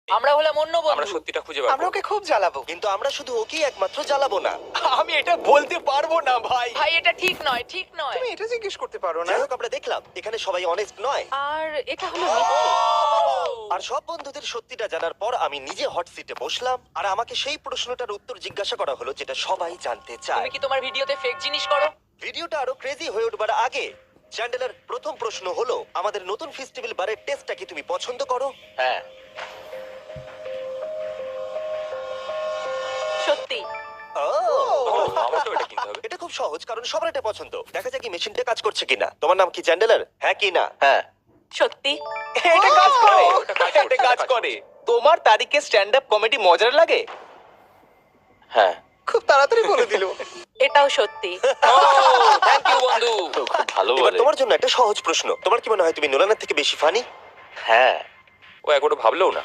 আমরা হলাম অন্য আমরা বন্ধু। সত্যিটা খুঁজে বার আমরা করবো। ওকে খুব জ্বালাবো। কিন্তু আমরা শুধু ওকেই একমাত্র জ্বালাবো না। আমি এটা বলতে পারবো না ভাই। ভাই এটা ঠিক নয়, ঠিক নয়। তুমি এটা জিজ্ঞেস করতে পারো না। যাই হোক, আমরা দেখলাম এখানে সবাই অনেস্ট নয়। আর এটা হলো মিথ্যে। আর সব বন্ধুদের সত্যিটা জানার পর আমি নিজে হট সিটে বসলাম, আর আমাকে সেই প্রশ্নটার উত্তর জিজ্ঞাসা করা হলো যেটা সবাই জানতে চায়। তুমি কি তোমার ভিডিওতে ফেক জিনিস করো? ভিডিওটা আরো ক্রেজি হয়ে উঠবার আগে চ্যান্ডেলার প্রথম প্রশ্ন হলো, আমাদের নতুন ফেস্টিভ্যাল বারের টেস্টটা কি তুমি পছন্দ করো? হ্যাঁ। সত্যি। ও, আমাকেও এটা কিনতে হবে। এটা খুব সহজ, কারণ সবার এটা পছন্দ। দেখা যাক কি মেশিনটা কাজ করছে কিনা। তোমার নাম কি চ্যান্ডেলার? হ্যাঁ কি না? হ্যাঁ, সত্যি। এটা কাজ করে। এটা কাজ করছে, এটা কাজ এটা কাজ করে। তোমার তারিখে স্ট্যান্ড আপ কমেডি মজার লাগে? হ্যাঁ। খুব তাড়াতাড়ি বলে দিল। এটাও সত্যি। থ্যাংক ইউ বন্ধু। খুব ভালো এবার বলে। তোমার জন্য একটা সহজ প্রশ্ন। তোমার কি মনে হয় তুমি নোলানের থেকে বেশি ফানি? হ্যাঁ। ও একবারও ভাবলেও না।